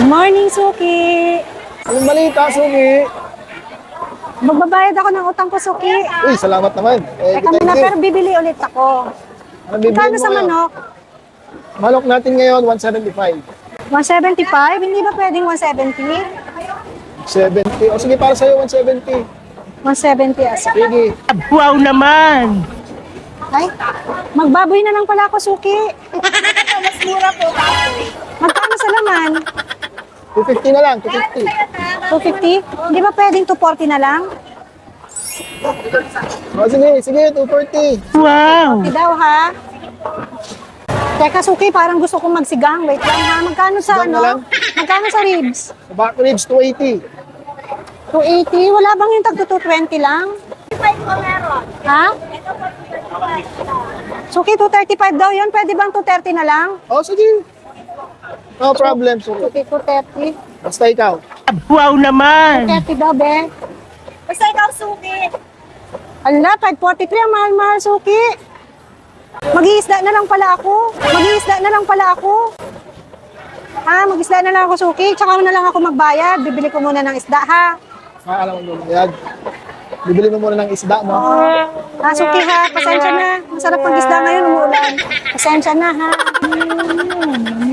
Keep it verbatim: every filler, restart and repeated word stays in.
Good morning, Suki. Anong balita, Suki? Magbabayad ako ng utang ko, Suki. Uy, salamat naman. Eh, Teka muna, pero bibili ulit ako. Ano bibili Kano mo sa ngayon? manok? Manok natin ngayon, one seventy-five. one seventy-five? Hindi ba pwedeng one seventy? seventy. O sige, para sa'yo, one seventy. one seventy asa. Sige. Wow naman! Ay, magbaboy na lang pala ako, Suki. Mas mura po baboy. Magkano sa laman? two fifty na lang, two fifty. two fifty? Hindi ba pwedeng two forty na lang? O sige, sige, two forty. Wow! Hindi daw, ha? Teka, Suki, parang gusto kong magsigang. Wait lang, ha? Magkano sa Sigang na lang? ano? Magkano sa ribs? Sa back ribs, two eighty. two eighty? Wala bang yung tagto two twenty lang? five po meron. Ha? Suki, two thirty-five daw yun. Pwede bang two thirty na lang? O sige. No problem, Suki. Suki, two thirty. Basta ikaw. Wow naman! two thirty daw, be. Basta ikaw suki. Ala, five forty-three ang mahal-mahal, Suki. Mag-iisda na lang pala ako. Mag-iisda na lang pala ako. Ha, mag-isda na lang ako, Suki. Tsaka na lang ako magbayad. Bibili ko muna ng isda, ha? Ah, alam mo yan. Bibili mo muna ng isda mo. Ah, Suki, ha? Pasensya na. Masarap ang isda ngayon, umuulan. Pasensya na, ha? Hmm.